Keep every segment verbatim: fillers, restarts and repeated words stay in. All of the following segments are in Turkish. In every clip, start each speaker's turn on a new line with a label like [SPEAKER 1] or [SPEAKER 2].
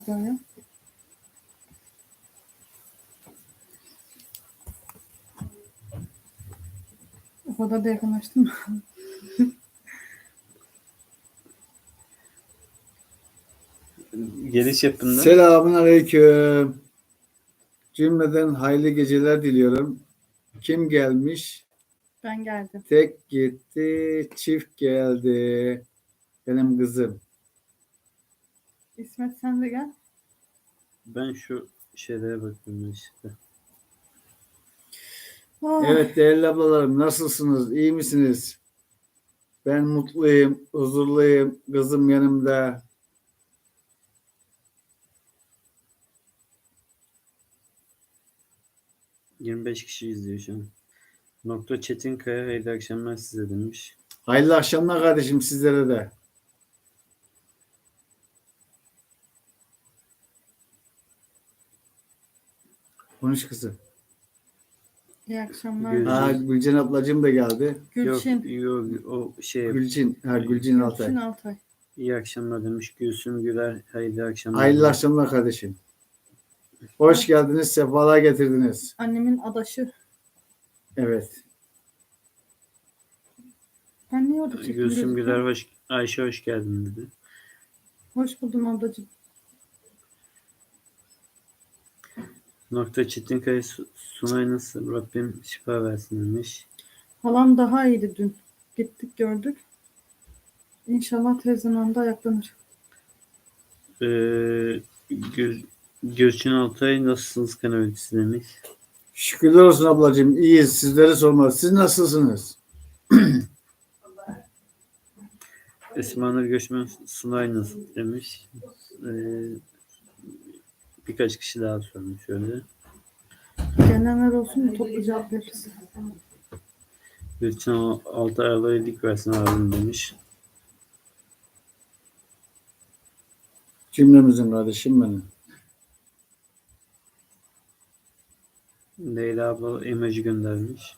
[SPEAKER 1] Böyle. O kadar da yakınlaştım.
[SPEAKER 2] Geliş yapında.
[SPEAKER 3] Selamun aleyküm. Cümleden hayırlı geceler diliyorum. Kim gelmiş?
[SPEAKER 1] Ben geldim.
[SPEAKER 3] Tek gitti, çift geldi. Benim kızım.
[SPEAKER 1] İsmet sen de gel.
[SPEAKER 2] Ben şu şeylere bakıyorum işte.
[SPEAKER 1] Oh,
[SPEAKER 3] Evet değerli ablalarım, nasılsınız? İyi misiniz? Ben mutluyum, huzurluyum. Kızım yanımda.
[SPEAKER 2] yirmi beş kişi izliyor şu an. Nokta Çetinkaya hayırlı akşamlar size demiş.
[SPEAKER 3] Hayırlı akşamlar kardeşim sizlere de. Konuş kızım.
[SPEAKER 1] iyi akşamlar.
[SPEAKER 2] Gül-
[SPEAKER 3] Aa, Gülcan ablacığım da geldi.
[SPEAKER 1] Gülçin.
[SPEAKER 2] Yok yok o şey
[SPEAKER 3] Gülçin, ha, Gülçin Altay.
[SPEAKER 1] Gülçin Altay.
[SPEAKER 2] iyi akşamlar demiş. Gülsüm Güler hayırlı akşamlar.
[SPEAKER 3] Hayırlı
[SPEAKER 2] demiş.
[SPEAKER 3] akşamlar kardeşim. Hoş geldiniz, sefalar getirdiniz.
[SPEAKER 1] Annemin adaşı.
[SPEAKER 3] Evet.
[SPEAKER 1] Ben niye orada çektim?
[SPEAKER 2] Gülsüm
[SPEAKER 1] gözüküyor?
[SPEAKER 2] Güler hoş, Ayşe hoş geldin dedi.
[SPEAKER 1] Hoş buldum ablacığım.
[SPEAKER 2] Nokta Çetinkaya Su- Sunay nasıl? Rabbim şifa versin demiş.
[SPEAKER 1] Halam daha iyiydi dün. Gittik gördük. İnşallah tez zamanda ayaklanır.
[SPEAKER 2] Ee, Gül, Gülçin Altay nasılsınız kanalcısı demiş.
[SPEAKER 3] Şükürler olsun ablacığım. İyiyiz. Sizleri sormalı. Siz nasılsınız?
[SPEAKER 2] Esma Nur Göçmen Sunay nasıl demiş. Ee, birkaç kişi daha sormuş öyle.
[SPEAKER 1] Gelenler olsun mu toplu cevap veririz.
[SPEAKER 2] Gülçin altı aylığı dik versin abim demiş.
[SPEAKER 3] Cümlemizin kardeşim benim.
[SPEAKER 2] Leyla abla emoji göndermiş.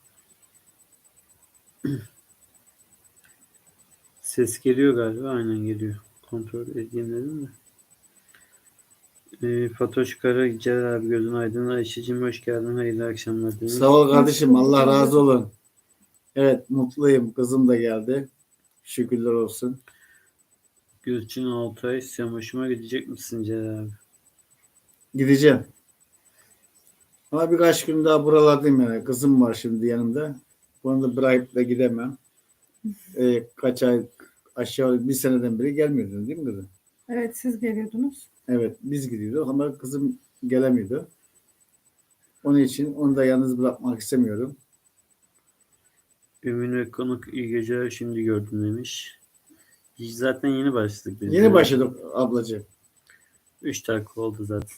[SPEAKER 2] Ses geliyor galiba. Aynen geliyor. Kontrol edeyim dedim de. Ee, Fatoş Kara, Celal abi gözün aydın. Ayşe'cim hoş geldin. Hayırlı akşamlar demiş.
[SPEAKER 3] Sağ ol kardeşim.
[SPEAKER 1] Hoş bulduk
[SPEAKER 3] Allah razı
[SPEAKER 1] ablacığım.
[SPEAKER 3] olun. Evet mutluyum. Kızım da geldi. Şükürler olsun.
[SPEAKER 2] Gülçin Altay sen hoşuma gidecek misin Celal abi?
[SPEAKER 3] Gideceğim. Ama birkaç gün daha buralardayım yani. Kızım var şimdi yanımda. Bunu da bırakıp da gidemem. Ee, kaç ay aşağı bir seneden beri gelmiyordun değil mi kızım?
[SPEAKER 1] Evet siz geliyordunuz.
[SPEAKER 3] Evet biz gidiyorduk ama kızım gelemiyordu. Onun için onu da yalnız bırakmak istemiyorum.
[SPEAKER 2] Ümün ve konuk iyi geceler şimdi gördüm demiş. Zaten yeni başladık biz.
[SPEAKER 3] Yeni başladık ablacığım.
[SPEAKER 2] üç dakika oldu zaten.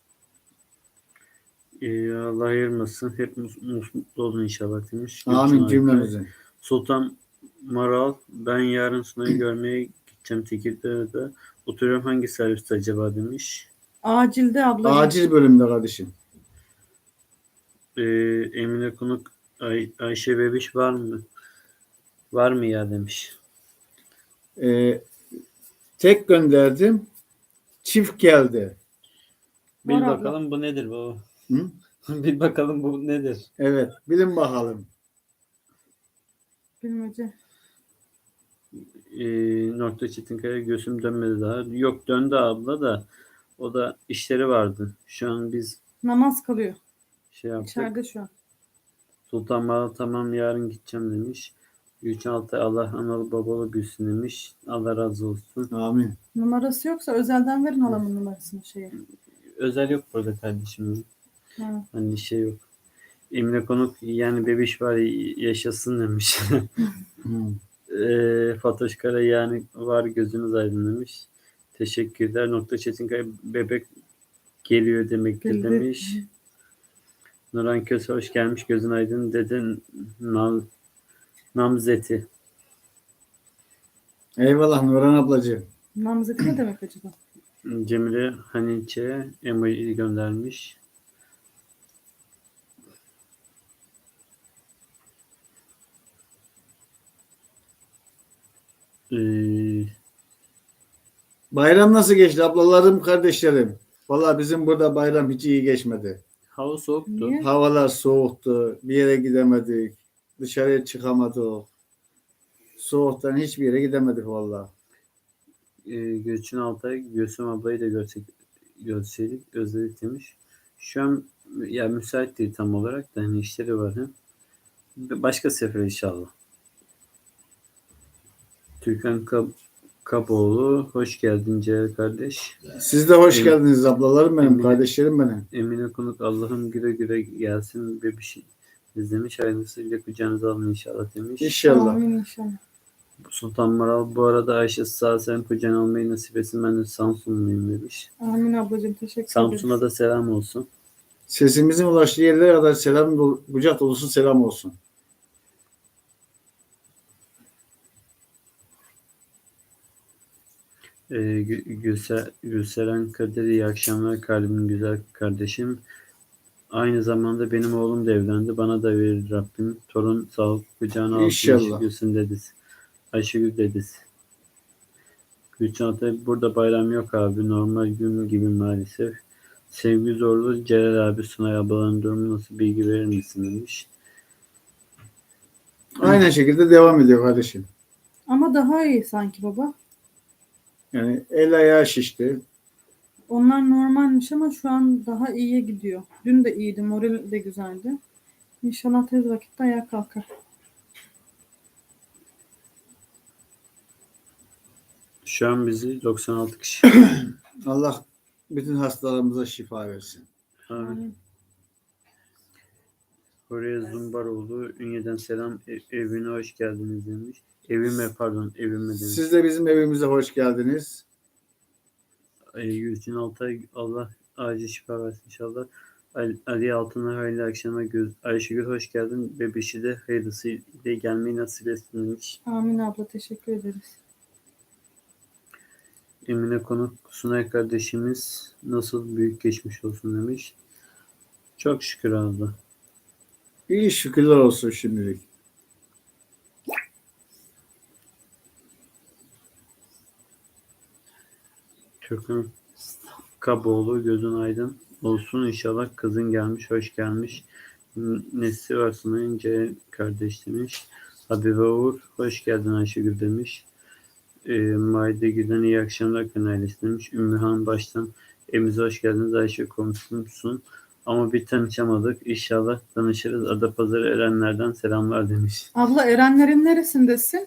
[SPEAKER 2] Ee, Allah ayırmasın. Hep mus- mus- mutlu olun inşallah demiş.
[SPEAKER 3] Amin
[SPEAKER 2] Gülçin Altay.
[SPEAKER 3] cümlemizin.
[SPEAKER 2] Sultan Maral ben yarın Sunay'ı görmeye gideceğim Tekirdağ'da. Oturuyorum hangi serviste acaba demiş.
[SPEAKER 1] Acilde ablacığım.
[SPEAKER 3] Acil bölümde kardeşim.
[SPEAKER 2] Ee, Emine Konuk Ay- Ayşe Bebiş var mı? Var mı ya demiş.
[SPEAKER 3] Ee, tek gönderdim. Çift geldi.
[SPEAKER 2] Bil
[SPEAKER 1] Var abla.
[SPEAKER 2] bakalım bu nedir baba?
[SPEAKER 3] Hı?
[SPEAKER 2] Bil bakalım bu nedir?
[SPEAKER 3] Evet. Bilin bakalım.
[SPEAKER 1] Bilmece.
[SPEAKER 2] Ee, nokta Çetinkaya göğsüm dönmedi daha. Yok döndü abla da o da işleri vardı. Şu an biz
[SPEAKER 1] Namaz kalıyor.
[SPEAKER 2] şey yaptık.
[SPEAKER 1] İçeride şu an.
[SPEAKER 2] Sultan Maral tamam yarın gideceğim demiş. Gülçin Altay Allah analı babalı büyüsün demiş. Allah razı olsun.
[SPEAKER 3] Amin.
[SPEAKER 1] Numarası yoksa özelden verin halamın numarasını şeye.
[SPEAKER 2] Özel yok burada kardeşim.
[SPEAKER 1] Ha.
[SPEAKER 2] Hani şey yok. Emine Konuk yani bebiş var yaşasın demiş.
[SPEAKER 3] Hı.
[SPEAKER 2] e, Fatoş Kara yani var gözünüz aydın demiş. Teşekkürler. Nokta Çetinkaya bebek geliyor demektir
[SPEAKER 1] Bildi.
[SPEAKER 2] demiş. Nurhan Köse hoş gelmiş. Gözün aydın dedin Nam, Namzeti.
[SPEAKER 3] Eyvallah Nurhan ablacığım.
[SPEAKER 1] Namzeti ne demek acaba?
[SPEAKER 2] Cemile Haniç'e emoji göndermiş. Ee,
[SPEAKER 3] Bayram nasıl geçti ablalarım, kardeşlerim? Vallahi bizim burada bayram hiç iyi geçmedi.
[SPEAKER 2] Hava soğuktu.
[SPEAKER 1] Niye?
[SPEAKER 3] Havalar soğuktu. Bir yere gidemedik. Dışarıya çıkamadık. Soğuktan hiçbir yere gidemedik vallahi.
[SPEAKER 2] Ee, Gülçin Altay, Gülsüm ablayı da görsek, görseydik, özledik demiş. Şu an ya müsait değil tam olarak da hani işleri var. He? Başka sefer inşallah. Türkan Kab Kaboğlu, hoş geldin Ceyhan kardeş.
[SPEAKER 3] Siz de hoş
[SPEAKER 2] Evet.
[SPEAKER 3] geldiniz ablalarım benim,
[SPEAKER 2] Emine.
[SPEAKER 3] kardeşlerim benim.
[SPEAKER 2] Emine Konuk, Allah'ım güle güle gelsin bebiş izlemiş. Hayırlısıyla kucağınıza alın inşallah demiş.
[SPEAKER 3] İnşallah.
[SPEAKER 1] Amin inşallah.
[SPEAKER 2] Sultan Maral, bu arada Ayşe sağ sen kucağına almayı nasip etsin. Ben de Samsunluyum demiş.
[SPEAKER 1] Amin ablacığım, teşekkür
[SPEAKER 2] Samsun'a
[SPEAKER 1] ederiz.
[SPEAKER 2] da selam olsun.
[SPEAKER 3] Sesimizin ulaştığı yerlere kadar selam, dolu- kucak dolusu selam olsun.
[SPEAKER 2] Ee, Gü- Gülse, Gülseren Kadir, iyi akşamlar kalbim güzel kardeşim. Aynı zamanda benim oğlum da evlendi. Bana da verir Rabbim. Torun sağlık kucağına alsın.
[SPEAKER 3] İnşallah.
[SPEAKER 2] Ayşegül'sün dedisi. Ayşegül dedisi. Gülçin Atay, burada bayram yok abi. Normal gün gibi maalesef. Sevgi Zorlu, Celal abi, Sunay ablaların durumu nasıl, bilgi verir misin demiş.
[SPEAKER 3] Aynen şekilde devam ediyor kardeşim.
[SPEAKER 1] Ama daha iyi sanki baba.
[SPEAKER 3] Yani el ayağı şişti.
[SPEAKER 1] Onlar normalmiş ama şu an daha iyiye gidiyor. Dün de iyiydi, moral de güzeldi. İnşallah tez vakitte ayağa kalkar.
[SPEAKER 2] Şu an bizi doksan altı kişi.
[SPEAKER 3] Allah bütün hastalarımıza şifa versin.
[SPEAKER 2] Amin.
[SPEAKER 1] Amin.
[SPEAKER 2] Oraya Zumbaroğlu, Ünye'den selam. E- evine hoş geldiniz demiş. Evime pardon, evime demiş.
[SPEAKER 3] Siz de bizim evimize hoş geldiniz.
[SPEAKER 2] Ay, Gülçin Altay, Allah acil şifa versin inşallah. Ali, Ali Altın'a hayırlı akşamlar. Göz, Ayşegül hoş geldin. Bebişi de hayırlısıyla gelmeyi nasip etsin demiş.
[SPEAKER 1] Amin abla, teşekkür ederiz.
[SPEAKER 2] Emine Konuk, Sunay kardeşimiz nasıl, büyük geçmiş olsun demiş. Çok şükür abla.
[SPEAKER 3] İyi şükürler olsun şimdilik.
[SPEAKER 2] Türk'ün Kaboğlu, gözün aydın olsun inşallah. Kızın gelmiş, hoş gelmiş. N- Nesli var Sunay'ınca kardeş demiş. Habibe Uğur, hoş geldin Ayşegül demiş. E, Maide Gülen, iyi akşamlar kanalist demiş. Ümmühan baştan evimize hoş geldiniz Ayşe, komşumsun. Ama bir tanışamadık. İnşallah tanışırız. Adapazarı Erenler'den selamlar demiş.
[SPEAKER 1] Abla, Erenlerin neresindesin?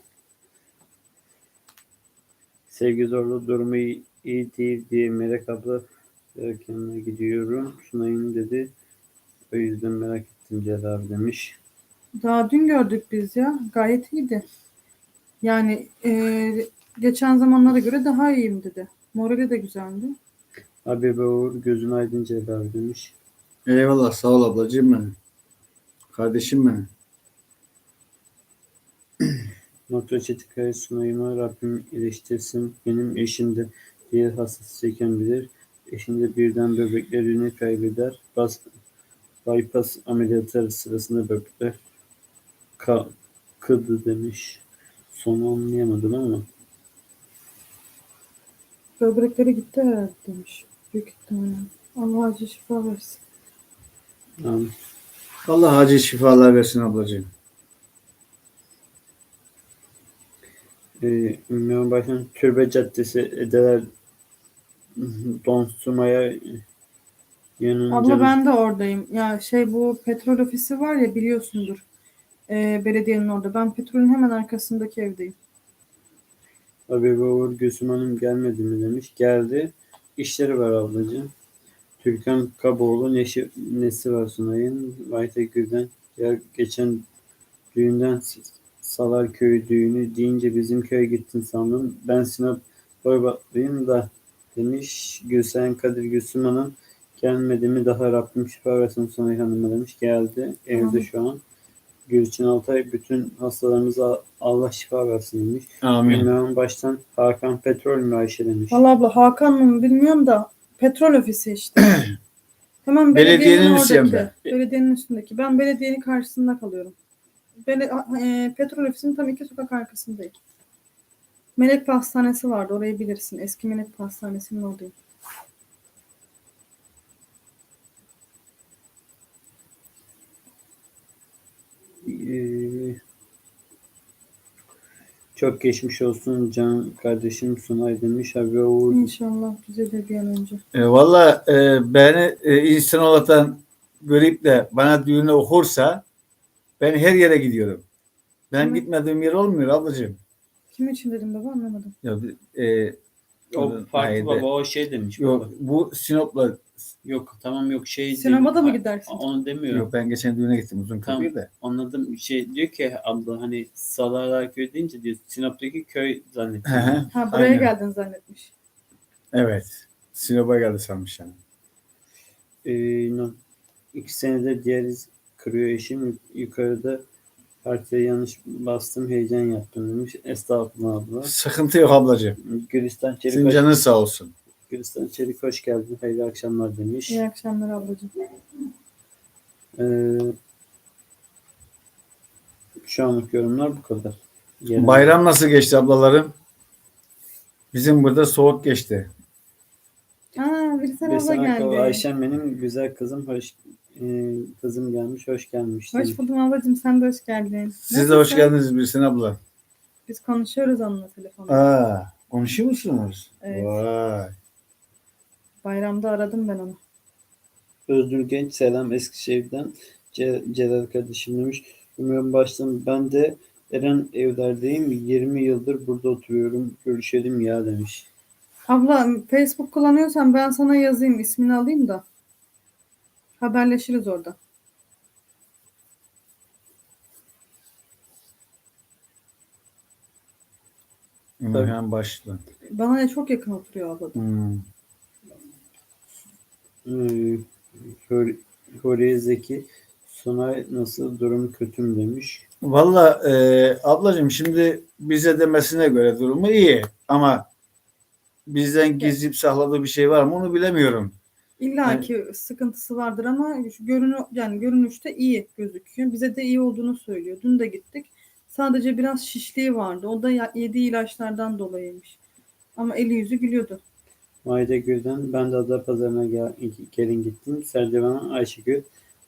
[SPEAKER 2] Sevgi Zorlu, durumu iyi, iyi değil diye Melek abla erkenine gidiyorum. Sunay'ın dedi. O yüzden merak ettim Celal abi demiş.
[SPEAKER 1] Daha dün gördük biz ya. Gayet iyiydi. Yani e, geçen zamanlara göre daha iyiyim dedi. Morali de güzeldi.
[SPEAKER 2] Habibe Uğur, gözün aydın Celal abi demiş.
[SPEAKER 3] Eyvallah, sağ ol ablacığım benim. Kardeşim benim.
[SPEAKER 2] Nokta Çetikaya, Sunay'ıma Rabbim iyileştirsin. Benim eşim de diğer hassasıyken bilir. Eşim de birden böbreklerini kaybeder. Bas, bypass ameliyatları sırasında böbrekler ka, kıdı demiş. Sonu anlayamadım ama.
[SPEAKER 1] Böbrekleri gitti herhalde demiş. Büyük ihtimalle. Allah acil şifa versin.
[SPEAKER 2] Yani,
[SPEAKER 3] Allah acil şifalar versin ablacığım.
[SPEAKER 2] e, Ünlü Başkan Türbe Caddesi Edeler Donsuma'ya yanınca
[SPEAKER 1] Abla, ben de oradayım. Ya şey, bu petrol ofisi var ya, biliyorsundur. E, belediyenin orada. Ben petrolün hemen arkasındaki evdeyim.
[SPEAKER 2] Habibe Uğur, Gülsüm Hanım gelmedi mi demiş. Geldi. İşleri var ablacığım. Türkan Kaboğlu, neşi, nesi var Sunay'ın. Vayte Gül'den. Ya geçen düğünden Salar Köyü düğünü deyince bizim köye gittin sandım. Ben Sinop Boybatlıyım da demiş. Gülsen Kadir, Gülsüm Hanım gelmedi mi, daha Rabbim şifa versin Sunay Hanım'a demiş. Geldi. Evde
[SPEAKER 1] Amin.
[SPEAKER 2] şu an. Gülçin Altay, bütün hastalarımıza Allah şifa versin demiş.
[SPEAKER 3] Amin.
[SPEAKER 2] Ünlü'nün baştan Hakan Petrol mü Ayşe demiş.
[SPEAKER 1] Vallahi abla, Hakan mı bilmiyorum da petrol ofisi işte. Hemen belediyenin,
[SPEAKER 3] Belediyenin
[SPEAKER 1] oradaki.
[SPEAKER 3] üstünde.
[SPEAKER 1] Belediyenin üstündeki. Ben belediyenin karşısında kalıyorum. Bele, e, petrol ofisinin tam iki sokak arkasındayım. Melek Pastanesi vardı. Orayı bilirsin. Eski Melek Pastanesi'nin oradayım.
[SPEAKER 2] Ee, çok geçmiş olsun can kardeşim Sunay demiş. Abi Uğur
[SPEAKER 1] İnşallah düzelir bir an önce.
[SPEAKER 3] E, Valla e, beni e, insan olarak görüp de bana düğünü okursa ben her yere gidiyorum. Ben
[SPEAKER 1] Hı.
[SPEAKER 3] gitmediğim yer olmuyor ablacığım.
[SPEAKER 1] Kim için dedim baba anlamadım.
[SPEAKER 3] Ya, e,
[SPEAKER 2] o
[SPEAKER 3] onun-
[SPEAKER 2] farklı
[SPEAKER 3] haydi.
[SPEAKER 2] baba o şey demiş
[SPEAKER 3] Yok
[SPEAKER 2] baba.
[SPEAKER 3] bu Sinop'la
[SPEAKER 2] Yok tamam yok şey
[SPEAKER 1] Sinemada
[SPEAKER 2] değil.
[SPEAKER 1] mı
[SPEAKER 2] Ha,
[SPEAKER 1] gidersin?
[SPEAKER 2] Onu demiyor.
[SPEAKER 3] yok ben geçen düğüne gittim uzun
[SPEAKER 2] Tamam.
[SPEAKER 3] köprüyü de.
[SPEAKER 2] Anladım. Şey diyor ki abla hani Salarlar köy deyince diyor Sinop'taki köy
[SPEAKER 3] Hı
[SPEAKER 2] zannettim.
[SPEAKER 3] hı,
[SPEAKER 1] Ha buraya
[SPEAKER 3] aynen.
[SPEAKER 1] geldin zannetmiş.
[SPEAKER 3] Evet. Sinop'a geldi sanmış yani.
[SPEAKER 2] Ee, no- iki senedir diyaliz kırıyor eşim. Yukarıda partiye yanlış bastım heyecan yaptım demiş. Estağfurullah abla.
[SPEAKER 3] Sıkıntı yok ablacığım.
[SPEAKER 2] Gülistan Çelik
[SPEAKER 3] Senin
[SPEAKER 2] hoş,
[SPEAKER 3] canın sağ olsun.
[SPEAKER 2] Gülistan Çelik hoş geldin. Hayırlı akşamlar demiş.
[SPEAKER 1] İyi akşamlar ablacığım.
[SPEAKER 2] Ee, şu anlık yorumlar bu kadar. Yarın-
[SPEAKER 3] Bayram nasıl geçti ablalarım? Bizim burada soğuk geçti.
[SPEAKER 1] Aa bir sen abla
[SPEAKER 2] Besan Akol,
[SPEAKER 1] geldi.
[SPEAKER 2] Ayşem benim güzel kızım hoş e, kızım gelmiş hoş gelmiş.
[SPEAKER 1] Hoş buldum ablacığım sen de hoş geldin.
[SPEAKER 3] Siz de hoş
[SPEAKER 1] Nasılsın?
[SPEAKER 3] geldiniz Birsin abla.
[SPEAKER 1] Biz konuşuyoruz onunla telefonda.
[SPEAKER 3] Aa, konuşuyor musunuz?
[SPEAKER 1] Evet.
[SPEAKER 3] Vay.
[SPEAKER 1] Bayramda aradım ben onu.
[SPEAKER 2] Özgür Genç selam Eskişehir'den Ce- Celal kardeşim demiş. Umuyorum baştan ben de Eren evlerdeyim. yirmi yıldır burada oturuyorum. Görüşelim ya demiş.
[SPEAKER 1] Abla Facebook kullanıyorsan ben sana yazayım ismini alayım da. Haberleşiriz orada.
[SPEAKER 3] Hemen başla.
[SPEAKER 1] Bana ne çok yakın oturuyor abla.
[SPEAKER 3] Hmm.
[SPEAKER 2] Ee, Hor- Horiye Zeki Sunay nasıl durum kötü mü demiş.
[SPEAKER 3] Valla e, ablacığım şimdi bize demesine göre durumu iyi ama bizden gizleyip sakladığı bir şey var mı onu bilemiyorum.
[SPEAKER 1] İlla ki sıkıntısı vardır ama şu görünü yani görünüşte iyi gözüküyor. Bize de iyi olduğunu söylüyor. Dün de gittik. Sadece biraz şişliği vardı. O da ya- yediği ilaçlardan dolayıymış. Ama eli yüzü gülüyordu.
[SPEAKER 2] Maide Gül'den ben de Adapazarı'na gel, gelin gittim. Serdivan'a Ayşegül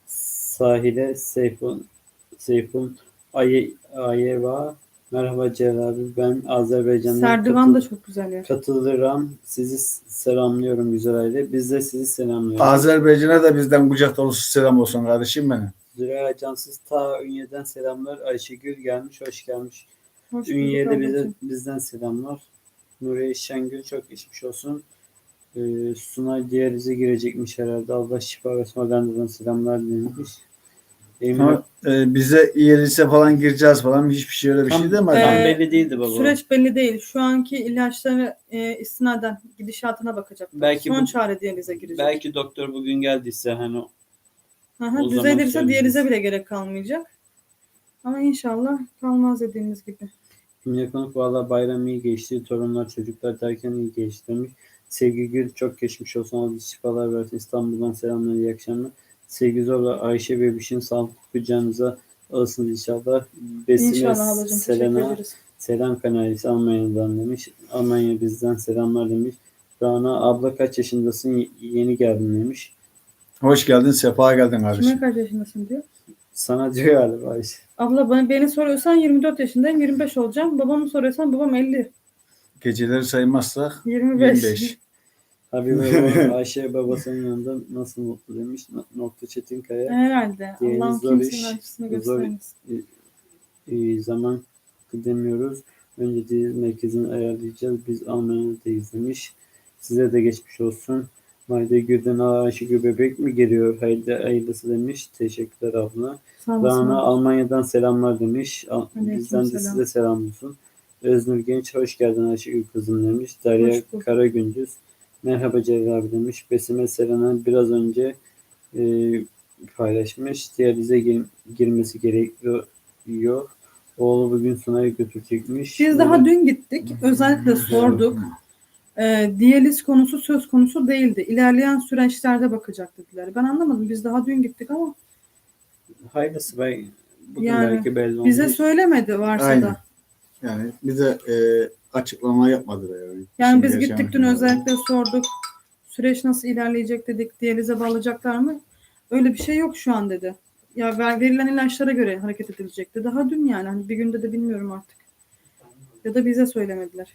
[SPEAKER 2] sahile Seyfun Seyfun Aye, Ayeva merhaba Celal abi ben Azerbaycan'dan
[SPEAKER 1] Serdivan da
[SPEAKER 2] katıl,
[SPEAKER 1] çok güzel yer.
[SPEAKER 2] katılırım. Sizi selamlıyorum güzel aile. Biz de sizi selamlıyoruz.
[SPEAKER 3] Azerbaycan'a da bizden kucak dolusu selam olsun kardeşim benim.
[SPEAKER 2] Züleyha Cansız ta Ünye'den selamlar. Ayşegül gelmiş, hoş gelmiş.
[SPEAKER 1] Hoş bulduk
[SPEAKER 2] Ünye'de bize,
[SPEAKER 1] ablacığım.
[SPEAKER 2] bizden selamlar. Nuriye Şengül çok geçmiş olsun. Ee, Sunay diyalize girecekmiş herhalde. Allah şifa versin. Hollanda'dan selamlar demiş. Emre
[SPEAKER 3] Ama e, bize İELTS'e falan gireceğiz falan hiçbir şey öyle bir
[SPEAKER 2] tam,
[SPEAKER 3] şey demedi.
[SPEAKER 2] tam
[SPEAKER 1] Ee,
[SPEAKER 2] belli değildi baba.
[SPEAKER 1] Süreç belli değil. Şu anki ilaçları e, istinaden gidişatına bakacak.
[SPEAKER 2] Belki
[SPEAKER 1] Son
[SPEAKER 2] bu-
[SPEAKER 1] çare diyalize girecek.
[SPEAKER 2] Belki doktor bugün geldiyse hani
[SPEAKER 1] Hı
[SPEAKER 2] o
[SPEAKER 1] hı,
[SPEAKER 2] zaman
[SPEAKER 1] düzelirse
[SPEAKER 2] söyleriz.
[SPEAKER 1] diyalize bile gerek kalmayacak. Ama inşallah kalmaz dediğimiz gibi.
[SPEAKER 2] Emre Konuk valla bayram iyi geçti. Torunlar çocuklar derken iyi geçti demiş. Sevgi Gül çok geçmiş olsun. Allah şifalar versin. İstanbul'dan selamlar iyi akşamlar. Sevgi Zorla Ayşe Bebiş'in sağlıklı kucağınıza alırsınız inşallah. Besime
[SPEAKER 1] İnşallah ablacığım. Teşekkür
[SPEAKER 2] Selena
[SPEAKER 1] ederiz.
[SPEAKER 2] selam kanalisi Almanya'dan demiş. Almanya bizden selamlar demiş. Rana abla kaç yaşındasın? Y- Yeni geldin demiş.
[SPEAKER 3] Hoş geldin, sefa geldin
[SPEAKER 1] Kime
[SPEAKER 3] kardeşim.
[SPEAKER 1] kaç yaşındasın diyor.
[SPEAKER 2] Sana diyor galiba Ayşe.
[SPEAKER 1] Abla bana, beni soruyorsan yirmi dört yaşındayım. yirmi beş olacağım. Babamı soruyorsan babam elli.
[SPEAKER 3] Geceleri saymazsak
[SPEAKER 1] yirmi beş.
[SPEAKER 3] yirmi beş.
[SPEAKER 2] Habibe baba, Ayşe babasının yanında nasıl mutlu demiş. Nokta Çetinkaya.
[SPEAKER 1] Herhalde.
[SPEAKER 2] Diğeri
[SPEAKER 1] Allah'ım
[SPEAKER 2] zor
[SPEAKER 1] kimsenin
[SPEAKER 2] iş,
[SPEAKER 1] acısını
[SPEAKER 2] zor-
[SPEAKER 1] göstermesin.
[SPEAKER 2] Ee, zaman demiyoruz. Önce diyaliz merkezini ayarlayacağız. Biz Almanya'dayız demiş. Size de geçmiş olsun. Mayda Gül'den Ayşegül bebek mi geliyor? Hayırlı, hayırlısı demiş. Teşekkürler abla.
[SPEAKER 1] Sağ olasın.
[SPEAKER 2] Rana Almanya'dan selamlar demiş. Al-
[SPEAKER 1] Aleyküm
[SPEAKER 2] Bizden de
[SPEAKER 1] selam.
[SPEAKER 2] size selam olsun. Öznur Genç hoş geldin Ayşegül kızım demiş. Derya
[SPEAKER 1] Hoş bulduk.
[SPEAKER 2] Karagündüz merhaba Celal abi demiş. Besime Selena biraz önce e, paylaşmış. Diyalize gir- girmesi gerekiyor. Oğlu bugün Sunay'a götürecekmiş.
[SPEAKER 1] Biz daha dün gittik. Özellikle sorduk. E, diyaliz konusu söz konusu değildi. İlerleyen süreçlerde bakacak dediler. Ben anlamadım. Biz daha dün gittik ama
[SPEAKER 2] Hayırlısı belki bugün
[SPEAKER 1] Yani
[SPEAKER 2] belki belli olmuş.
[SPEAKER 1] bize söylemedi varsa
[SPEAKER 3] Aynen.
[SPEAKER 1] da.
[SPEAKER 3] Yani bize e, açıklama yapmadılar yani.
[SPEAKER 1] Yani
[SPEAKER 3] İşin
[SPEAKER 1] biz
[SPEAKER 3] gerçeğini
[SPEAKER 1] gittik dün
[SPEAKER 3] söylüyorum.
[SPEAKER 1] özellikle sorduk. Süreç nasıl ilerleyecek dedik. Diyalize bağlayacaklar mı? Öyle bir şey yok şu an dedi. Ya ver- verilen ilaçlara göre hareket edilecekti. Daha dün yani. Hani bir günde de bilmiyorum artık. Ya da bize söylemediler.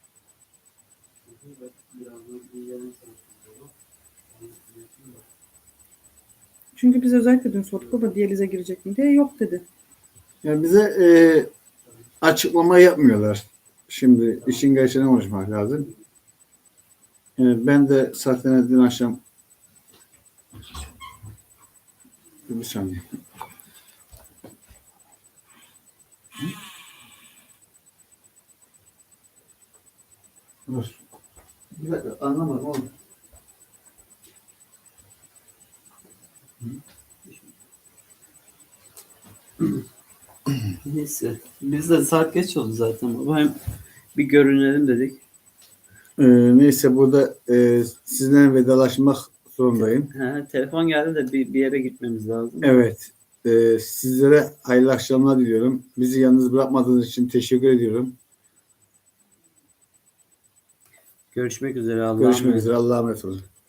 [SPEAKER 1] Çünkü biz özellikle dün sorduk. Baba diyalize girecek mi diye. Yok dedi.
[SPEAKER 3] Yani bize e, açıklama yapmıyorlar. Şimdi işin gerçeğini konuşmak lazım. Yani ben de zaten dün akşam bir saniye. Dur. Bir dakika anlamadım oğlum.
[SPEAKER 2] Neyse. Biz de saat geç oldu zaten. Baba hem bir görünelim dedik.
[SPEAKER 3] Ee, neyse burada e, sizinle vedalaşmak zorundayım.
[SPEAKER 2] Ha, telefon geldi de bir, bir yere gitmemiz lazım.
[SPEAKER 3] Evet. e, sizlere hayırlı akşamlar diliyorum. Bizi yalnız bırakmadığınız için teşekkür ediyorum.
[SPEAKER 2] Görüşmek üzere. Allah'a
[SPEAKER 3] Görüşmek
[SPEAKER 2] emanet.
[SPEAKER 3] üzere. Allah'a emanet olun.